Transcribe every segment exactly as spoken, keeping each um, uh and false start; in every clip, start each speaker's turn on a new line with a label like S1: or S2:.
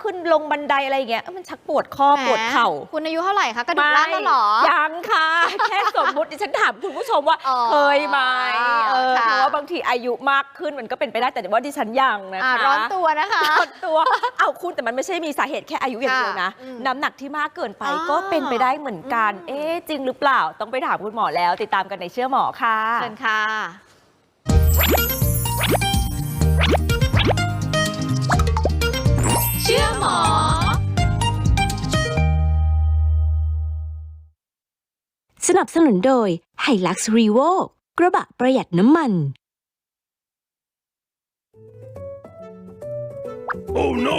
S1: ขึ้นลงบันไดอะไรอย่างเงี้ยมันชักปวดข้อปวดเข่า
S2: คุณอายุเท่าไหร่คะกระดูกร่างแล้วหรอ
S1: ยังค่ะแค่สมมติดิฉันถามคุณผู้ชมว่าเคยไหมเออเพราะว่าบางทีอายุมากขึ้นมันก็เป็นไปได้แต่ว่าดิฉันยังนะคะ
S2: ร้อนตัวนะคะ
S1: ร้อนตัวเอาคุณแต่มันไม่ใช่มีสาเหตุแค่อายุอย่างเดียวนะน้ำหนักที่มากเกินไปก็เป็นไปได้เหมือนกันเอ๊ะจริงหรือเปล่าต้องไปถามคุณหมอแล้วติดตามกันในเชื่อหมอค่ะ
S2: เชิญค่ะเชื่อหมอ
S3: สนับสนุนโดย Hilux Revo กระบะประหยัดน้ำมัน
S4: Oh no!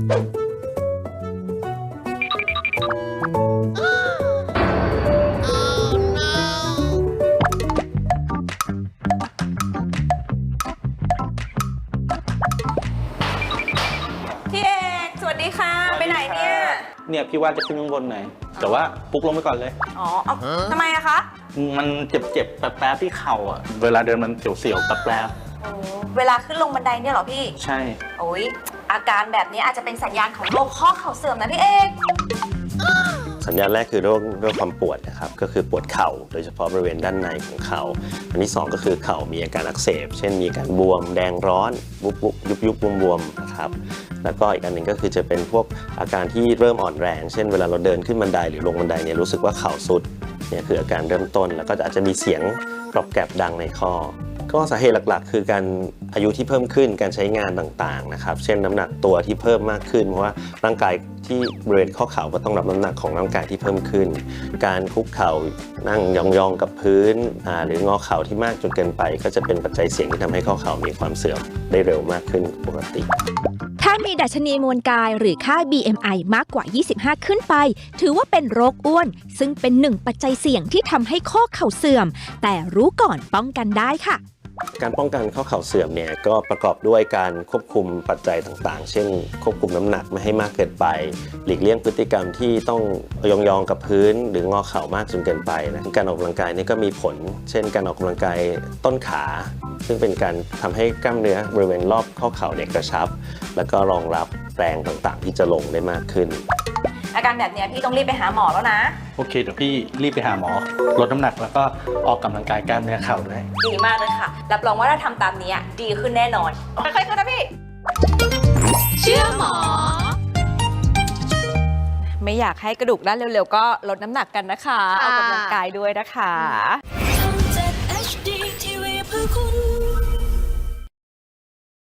S1: พี่เอกสวัสดีค่ะไปไหนเนี่ย
S4: เนี่ยพี่ว่าจะขึ้นข้างบนหน่อยแต่ว่าปุ๊กลงไปก่อนเลย
S1: อ๋อเอาทำไมอะคะ
S4: มันเจ็บๆแป๊บๆที่เข่าอ่ะเวลาเดินมันเสียวๆแป๊บ
S1: ๆเวลาขึ้นลงบันไดเนี่ยเหรอพี่
S4: ใช่
S1: โอ้ยอาการแบบนี้อาจจะเป็นสัญญาณของโรคข้อเข่าเสื่อมนะพี่เอก
S5: สัญญาณแรกคือโรคโรคความปวดนะครับก็คือปวดเข่าโดยเฉพาะบริเวณด้านในของเข่าอันที่สองก็คือเข่ามีอาการอักเสบเช่นมีการบวมแดงร้อนบุบบุบยุบยุบบวมๆนะครับแล้วก็อีกอันหนึ่งก็คือจะเป็นพวกอาการที่เริ่มอ่อนแรงเช่นเวลาเราเดินขึ้นบันไดหรือลงบันไดเนี่ยรู้สึกว่าเข่าสุดเนี่ยคืออาการเริ่มต้นแล้วก็อาจจะมีเสียงกรอบแกรบดังในข้อก็สาเหตุหลักๆคือการอายุที่เพิ่มขึ้นการใช้งานต่างๆนะครับเช่นน้ำหนักตัวที่เพิ่มมากขึ้นเพราะว่าร่างกายที่บริเวณข้อเข่าก็ต้องรับน้ำหนักของร่างกายที่เพิ่มขึ้นการคุกเข่านั่งยองๆกับพื้นหรืองอเข่าที่มากจนเกินไปก็จะเป็นปัจจัยเสี่ยงที่ทำให้ข้อเข่ามีความเสื่อมได้เร็วมากขึ้นปกติ
S3: ถ้ามีดัชนีมวลกายหรือค่า บี เอ็ม ไอ มากกว่า ยี่สิบห้า ขึ้นไปถือว่าเป็นโรคอ้วนซึ่งเป็นหนึ่งปัจจัยเสี่ยงที่ทำให้ข้อเข่าเสื่อมแต่รู้ก่อนป้องกันได้ค่ะ
S5: การป้องกันข้อเข่าเสื่อมเนี่ยก็ประกอบด้วยการควบคุมปัจจัยต่างๆเช่นควบคุมน้ำหนักไม่ให้มากเกินไปหลีกเลี่ยงพฤติกรรมที่ต้องยองๆกับพื้นหรืองอเข่ามากจนเกินไปนะการออกกำลังกายนี่ก็มีผลเช่นการออกกำลังกายต้นขาซึ่งเป็นการทำให้กล้ามเนื้อบริเวณรอบข้อเข่าเนี่ยกระชับแล้วก็รองรับแรงต่างๆที่จะลงได้มากขึ้น
S1: อาการแบบนี้พี่ต้องรีบไปหาหมอแล้วนะ
S4: โอเคเดี๋ยวพี่รีบไปหาหมอลดน้ำหนักแล้วก็ออกกำลังกายกล้ามเนื้อเข่าด้วย
S1: ดีมากเลยค่ะรับรองว่าถ้าทำตามนี้ดีขึ้นแน่นอนค่อยๆขึ้นนะพี่
S2: เชื่อหมอ
S1: ไม่อยากให้กระดูกด้านเร็วๆก็ลดน้ำหนักกันนะคะออกกำลังกายด้วยนะคะ